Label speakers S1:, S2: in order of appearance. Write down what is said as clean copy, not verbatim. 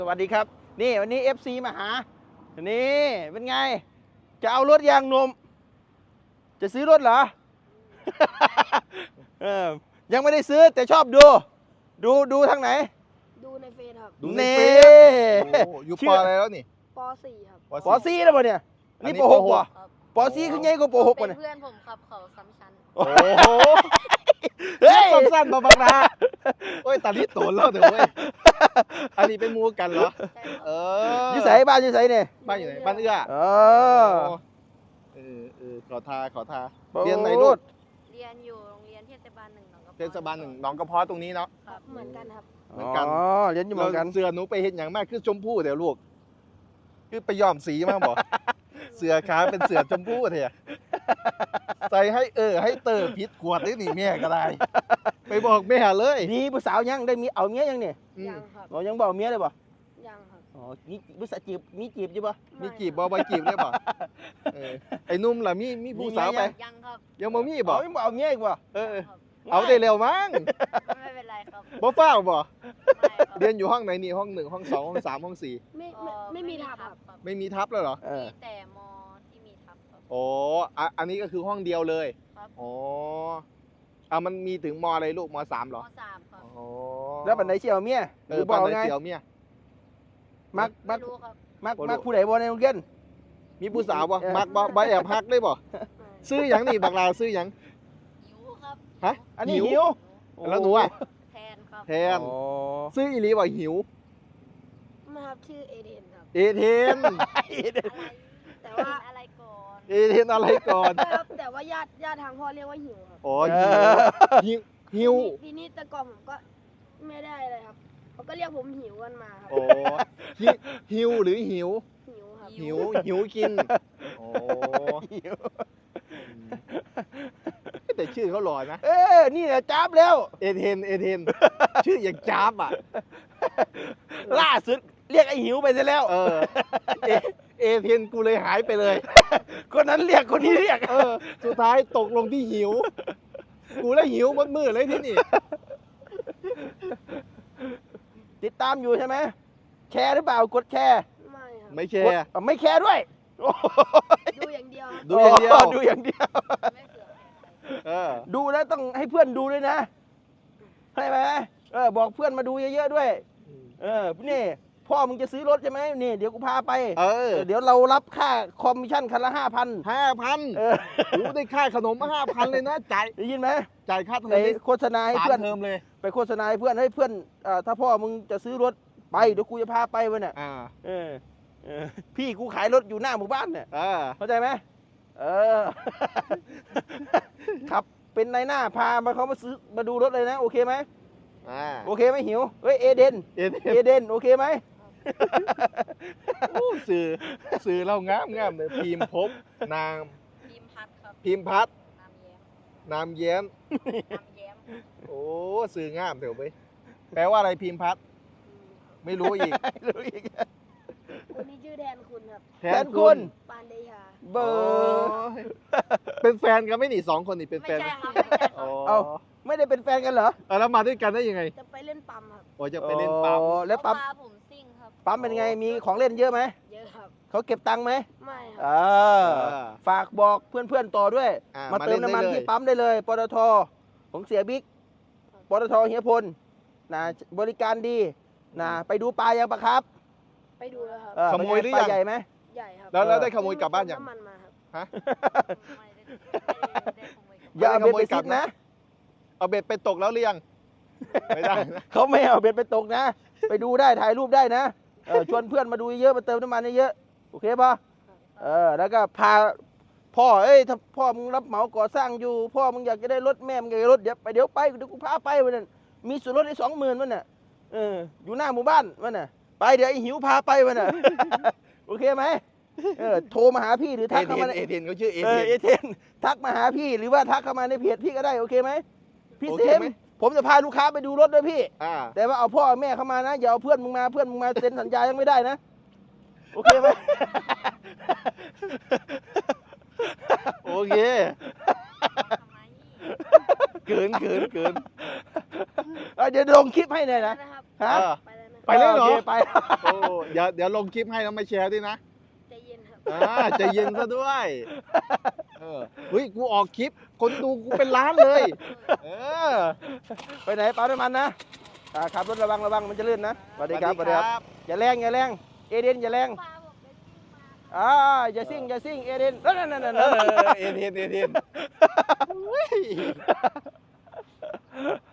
S1: สวัสดีครับนี่วันนี้ FC มาหานี่เป็นไงจะเอารถยางนมจะซื้อรถเหรอ ยังไม่ได้ซื้อแต่ชอบดูทางไหน
S2: ดูในเฟซครับ
S3: ดูในเฟซอยู่ปออะไรแล้วนี่
S2: ป .4 ครับ
S1: ปอซี่แล้วป่ะเนี่ยนี่ป .6 ป่ะปอซี่คือไงก็ป .6 ป่ะเนี่ย
S2: เพื่อนผมครับเขาซ้ำชั้น
S3: โอ้โหเฮ้ยสั้นๆบางๆนะโอ้ยตาลิโตนแล้วเดี๋ยวเว้ยอันนี้เป็นมูกันเหรอ
S1: ยี่ใส่บ้านยี่ใส่เนี่ย
S3: บ้านอยู่ไหนบ้านเอื้อขอทาเรียนไหนลูก
S2: เรียนอยู่โรงเรียนเทศบาล 1หนองกระเพาะ
S3: เทศบาล 1หนองกระเพาะตรงนี้เนาะ
S2: เหมือนกันครับ
S3: เหมือนกัน
S1: เรียนอยู่เหมือนกัน
S3: เสื้อหนูไปเห็นอย่างมากคือชมพู่เดี๋ยวลูกคือไปย้อมสีมากบอกเสื้อขาเป็นเสื้อชมพู่เถอะใส่ให้ให้เตอร์พิษขวดได้หนิแม่ก็ได้ไปบอกแม่เลย
S1: นี่ผู้สาวยังได้มีเอาเมียยังเนี่ย
S2: ยังครับ
S1: ยังบอกเมียเลยป่ะ
S2: ยังครับ
S1: นี่ผู้สาวจีบมีจีบใช่ป่ะ
S3: มีจีบบ่จีบได้ป่ะไอ้นุ่มล่ะมีผู้สาวไป
S2: ยังครับ
S3: ยังบ่มีบ่
S1: ยังบอกเอาเมียอีกป่ะ
S3: เอาได้เร็วมั้ง
S2: ไม่เป็นไรครับ
S3: บ่เฝ้าบ่เรียนอยู่ห้องไหนนี่ห้อง1ห้อง2ห้อง3ห้อง4
S2: ไม่มีทับครับ
S3: ไม่มีทับเลยเหรอ
S2: มีแต่มที่มีทับครับ
S3: โอ้อันนี้ก็คือห้องเดียวเลย
S2: ครับ
S3: อ๋อมันมีถึงมอะไรลูกม3เหรอ
S2: ม3ครับ
S3: อ๋อ
S1: แล้วปันไหนเชี่ยวเมีย
S3: ปันไหนเชี่ยวเมีย
S1: มักผู้ใดบ่ในโรงเรียน
S3: มีผู้สาวบ่มักบ่แอบฮักได้บ่ซื้อหยังนี่บักลาซื้อหยัง
S2: หิวครับ
S3: ฮะ
S1: อันนี้หิว
S3: แล้วหนูอ่ะ
S2: แทนครับ
S3: แทนซื้ออีหลีบ่หิว
S2: มาครับชื่อเอเดนครับ
S3: เอเทน
S2: แต่ว่าอะไรก่อน
S3: เอเทนอะไรก่อน
S2: ครับแต่ว่าญาติทางพ่อเรียกว่าหิวครับ
S3: อ๋อหิว
S2: ทีนี้แต่ก่อนผมก็ไม่ได้อะไรครับเขาก็เรียกผมหิวกันมาครับ
S3: โอ้หิวหรือหิว
S2: ครับ
S3: หิวกินโอ้แต่ชื่อเขาหล่อนะ
S1: นี่แหละจ้าบแล้ว
S3: เอเทนชื่ออย่างจ้าบอ่ะ
S1: ล่าสุดเรียกไอ้หิวไปซะแล้ว
S3: เอเทนกูเลยหายไปเลย
S1: คนนั้นเรียกคนนี้เรียก
S3: สุดท้ายตกลงที่หิวกูแล้วหิวมัดมือเลยที่นี่
S1: ติดตามอยู่ใช่ไหมแชร์หรือเปล่ากดแชร์
S3: ไม่แชร์
S1: ไม่แชร์ด้วย
S2: ดูอย่างเดียว
S1: ดูอย่างเดียวดูแล้วต้องให้เพื่อนดูด้วยนะใช่ไหมบอกเพื่อนมาดูเยอะๆด้วยนี่พ่อมึงจะซื้อรถใช่ไหมนี่เดี๋ยวกูพาไปเดี๋ยวเรารับค่าคอมมิชชั่นคันละ5,000
S3: รู้ได้ค่าขนม5,000เลยนะจ่าย
S1: ได้ยินไหม
S3: จ่ายค่าเทอม
S1: ไปโฆษณาให้เพื่อน
S3: เทอมเลย
S1: ไปโฆษณาให้เพื่อนถ้าพ่อมึงจะซื้อรถไปเดี๋ยวกูจะพาไปวันน่ะพี่กูขายรถอยู่หน้าหมู่บ้านเนี่ยเข้าใจไหมขับเป็นนายหน้าพาเขามาซื้อมาดูรถเลยนะโอเคไหมโอเคไหมหิวเอเดนโอเคไหม
S3: สื่อเรางามเลยพิมพ์พบนามพิมพ์พัดนามแย้มโอ้สื่องามเถอะไปแปลว่าอะไรพิมพ์พัดไม่รู้อีก
S2: คนนี้ชื่อแทนคุณครับ
S1: แทนคุณ
S2: ปานเดชา
S1: เบอร์
S3: เป็นแฟนกันไม่หนี2คนนี่เป็นแฟน
S2: ไม่ใช่ครับ
S1: ไม่ได้เป็นแฟนกันเหรอ
S3: แล้วมาด้วยกันได้ยังไง
S2: จะไปเล่นปั๊มครับ
S3: โอ้จะไปเล่นปั๊ม
S1: แล้วปั๊ม
S2: ผมซิ่งครับ
S1: ปั๊มเป็นไงมีของเล่นเยอะไหม
S2: เยอะครับ
S1: เขาเก็บตังค์ไหม
S2: ไม่ครับ
S1: ฝากบอกเพื่อนๆต่อด้วยมาเติมน้ำมันที่ปั๊มได้เลยปตทของเสียบิ๊กปตทเฮียพลนะบริการดีนะไปดูปลายังปะครับ
S2: ไปดูแล้วครับ
S3: ขโมยหรือยัง
S1: ใหญ่ไหม
S2: ใหญ่ครับ
S3: แล้วได้ขโมยกลับบ้านยัง
S2: น้ำมันมาครับ
S3: ฮะ
S1: อย่าเอาเบ็ดไปซิดนะ
S3: เอาเบ็ดไปตกแล้วหรือยังไม่ได้
S1: เขาไม่เอาเบ็ดไปตกนะไปดูได้ถ่ายรูปได้นะชวนเพื่อนมาดูเยอะมาเติมน้ำมันเยอะโอเคป่ะแล้วก็พาพ่อถ้าพ่อมึงรับเหมาก่อสร้างอยู่พ่อมึงอยากจะได้รถแม่มึงอยากได้รถเดี๋ยวไปเดี๋ยวกูพาไปวันนั้นมีส่วนลดได้20,000วันน่ะอยู่หน้าหมู่บ้านวันน่ะไปเดี๋ยวไอ้หิวพาไปวันน่ะโอเคไหมโทรมาหาพี่หรือทักเข้ามา
S3: เอเทนเขาชื่อเอ
S1: เทนทักมาหาพี่หรือว่าทักเข้ามาในเพจพี่ก็ได้โอเคไหมพี่เซมผมจะพาลูกค้าไปดูรถด้วยพี่แต่ว่าเอาพ่อแม่เข้ามานะอย่าเอาเพื่อนมึงมาเซ็นสัญญายังไม่ได้นะโอเคไหม
S3: โอเคเกิน
S1: เดี๋ยวลงคลิปให้หน่อยนะ
S3: ไปไปเลยเหรอ
S1: โอคไป
S3: โอ้เดี๋ยวลงคลิปให้แล้วมาแชร์ด้วยนะ
S2: ใจเย็นครับ
S3: ใจเย็นซะด้วยเฮ้ยกูออกคลิปคนดูกูเป็นล้านเลย เออ
S1: ไปไหนปั๊มน้ำมันนะขับรถระวังมันจะลื่นนะสวัสดีครับอย่าแรงเอเดนอย่าแรง
S2: ปลาบอกเดี๋ยวจิ้มมา
S1: อย่าซิ่งเอเดนนั่น
S3: เอ็น